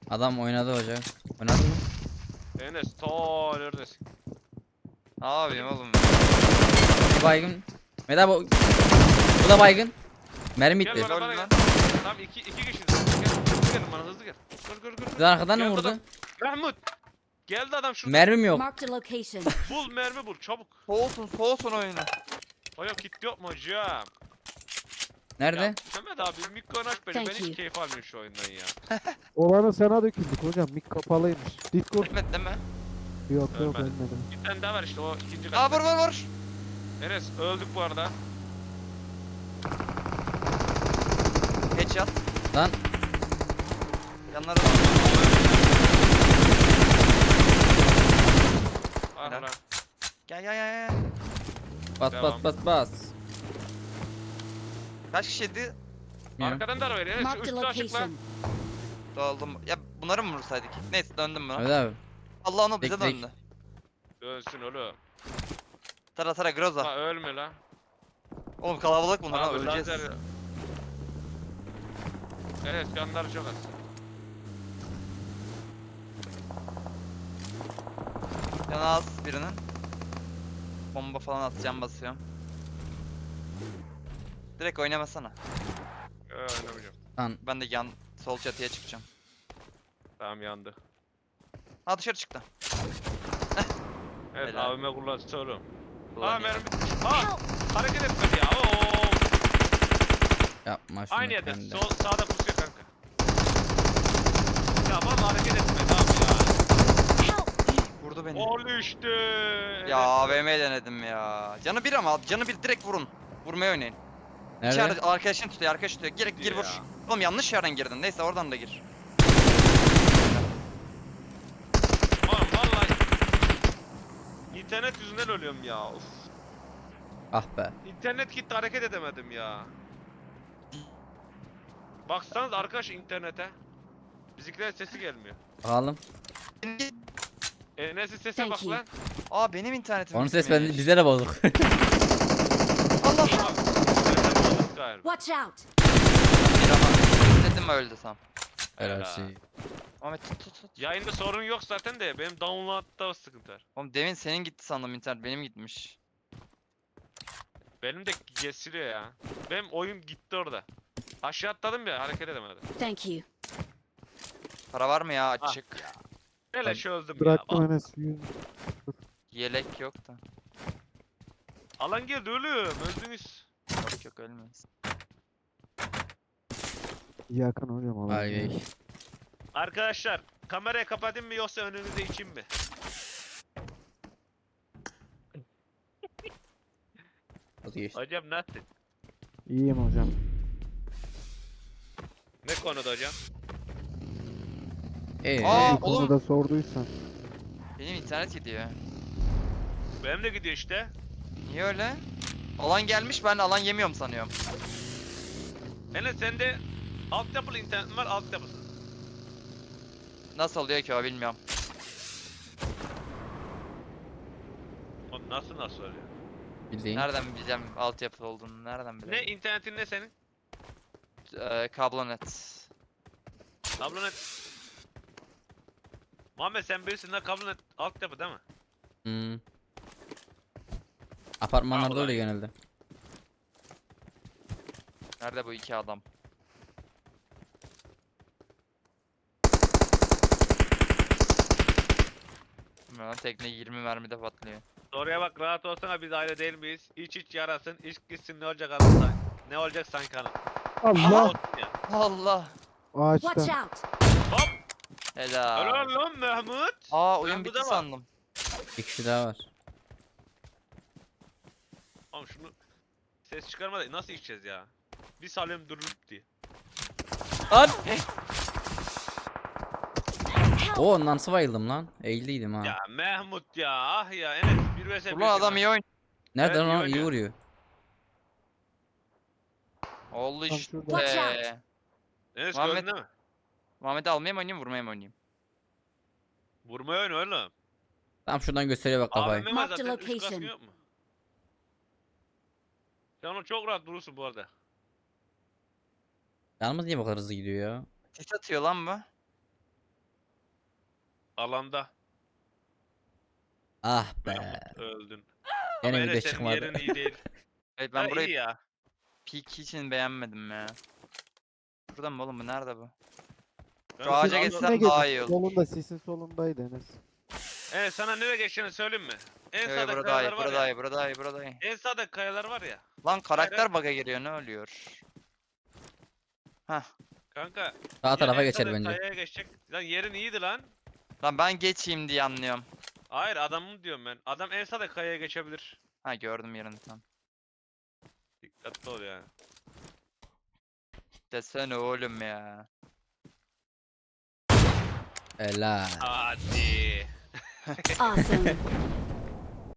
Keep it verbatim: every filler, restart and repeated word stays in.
Adam oynadı hocam. Oynadı mı? Enes ta neredesin? Ne yapayım oğlum? Bir baygın. Meda bu. Bu da baygın. Mermi Gel bitti. bana bana Öldü gel. lan. Tamam iki iki kişiyiz. Gel hızlı gelin bana hızlı gel. Gör gör gör. Bir de arkadan mı Geldi vurdu? adam. Mahmut. Geldi adam şurada. Mermim yok. Marked a location. Bul mermi bul çabuk. Soğusun soğusun oyunu. Aya kit yok mu hocam? Nerede? Ya Mehmet abi mikrofon aç beni. Thank Ben hiç you. keyif almıyorum şu oyundan ya. Olanı sana döküldük hocam. Mik kapalıymış. Discord Ölmedi değil mi? yok yok Ölmedi. ölmedim. Bir tane daha var işte o ikinci Aa kat. vur vur vur. Enes öldük bu arada. Headshot. Lan Yanlara da. Ah Helal. lan. Gel gel gel gel. bas Devam. bas bas bas. Kaç kişiydi? Bilmiyorum. Arkadan da var Enes. Şu Marked a üstü açık lan. location. Dağıldım. Ya bunları mı vursaydık? Neyse döndüm buna. Evet abi. Allah onu bize Tek tek. döndü. Dönsün oğlum. Tara tara Groza. Ha ölme lan. Oğlum kalabalık bunlar ha Abi, öleceğiz. lazer- Enes canları çok az. Canı az birinin. Bomba falan atacağım basıyorum. Direkt oynamasana. Ee, oynamayacağım. Lan Ben de yan sol çatıya çıkacağım. Tamam yandı. Ha dışarı çıktı. Evet Helal. A V M kullanıcısı oğlum. Aa Ulan ya. mermi. Aa hareket etmedi ya. Oo. yapma şunu Aynı yerde. kendi. Sol sağda pusuyor kanka. Ya vallahi hareket etmedi abi ya. Vurdu beni. Ol işte. Ya A V M denedim ya. Canı bir ama canı bir direkt vurun. Vurmaya oynayın. Nerede? İçeride arkadaşın tutuyor, arkadaş tutuyor. Gir gir Ya. vur. Oğlum yanlış yerden girdin. Neyse oradan da gir. Oğlum vallahi. İnternet yüzünden ölüyorum ya. Of. Ah be. İnternet gitti hareket edemedim ya. Baksanız arkadaş internete. Bizimkilerin sesi gelmiyor. Bakalım. Enes'in sese Thank bak you. lan. Aa benim internetim Onun ses gitmiş. ben, bize de bozuk. Allah. Abi, sese bozuk galiba. Watch out. Bir ama. Dedim öldü tam. Helal Helal. şey. Ahmet tut tut tut. Yayında sorun yok zaten de benim download'da sıkıntı var. Oğlum demin senin gitti sandım internet. Benim gitmiş. Benim de kesiliyor ya. Benim oyun gitti orada. Aşağı atladım ya hareket edemedim. Thank you. Para var mı ya Ah açık? Beleş öldüm ya. Bıraktım Al- Enes yüz. Yelek yok da. Alan geldi ölüm. Öldünüz. Yok yok ölmez. Yakın hocam alalım. Ay ay. Arkadaşlar kamerayı kapatayım mı yoksa önünüze içeyim mi? Vazgeçtim. Hocam nasılsın? İyiyim hocam. Ne konuda hocam? Ee, Aa, Bir oğlum. konuda sorduysan. Benim internet gidiyor. Benim de gidiyor işte. Niye öyle? Alan gelmiş ben de alan yemiyorum sanıyorum. Enes sende altyapılı internet var altyapısız. Nasıl oluyor ki o bilmiyorum. Oğlum nasıl nasıl oluyor? bildiğin. Nereden bileceğim altyapı olduğunu nereden Ne bileyim? internetin ne senin? Ee, kablonet. Kablonet. Muhammed sen bilirsin lan kablonet altyapı değil mi? Hmm. Apartmanlarda Vallahi. öyle genelde. Nerede bu iki adam? Bilmiyorum, tekne yirmi mermide patlıyor. Soruya bak rahat olsana biz aile değil miyiz? İç iç yarasın, iç gitsin ne olacak hanım sanki. Ne olacak sanki hanım. Allah! Olsun ya. Allah! Watch Ağaçta. out. Hop! Helal. Helal lan Mahmut. Aa oyun Ben bu bitti da var. sandım. Bir kişi daha var. Oğlum şunu ses çıkarma da nasıl içeceğiz ya? Bir salyum durup diye. Lan! Oo nasıl bayıldım lan? Eğildiydim ha. Ya Mahmut ya ah ya Enes bir vs bir. Ulan adam iyi oyun. Nerede Evet, iyi lan? İyi oynuyor. vuruyor. Oldu Tam işte. şurada. Watch out. Enes Muhammed- gördün değil mi? Muhammed'i almaya mı oynayayım vurmaya mı oynayayım? Vurmayı oyna oğlum. Tam şuradan gösteriyor bak kafayı. A V M var Mark the zaten üst kaskın location. yok mu? Sen onu çok rahat durursun bu arada. Yalnız niye bu kadar hızlı gidiyor ya? Sis atıyor lan bu. Alanda. Ah be. Mahmut, öldün. Yine Ama video Enes senin çıkmadı. yerin iyi değil. Evet Ben ben burayı iyi ya. peak için beğenmedim ya. Burada mı oğlum bu nerede bu? Ben Şu ağaca sana- geçsem Üstüne daha gelin. iyi olur. Solunda sisin solundaydı Enes. Evet sana nereye geçeceğini söyleyeyim mi? En Evet sağda burada iyi, kayalar var burada ya. iyi, burada iyi, burada iyi. En sağda kayalar var ya. Lan karakter Hayır. bug'a giriyor ne oluyor? Hah. Kanka. Sağ ya tarafa en geçer sağda bence. Kayaya geçecek. Lan yerin iyiydi lan. Lan ben geçeyim diye anlıyorum. Hayır adamım diyorum ben. Adam en sağda kayaya geçebilir. Ha gördüm yerini tam. Dikkatli ol yani. Desene oğlum ya. Helal. Hadi. Awesome.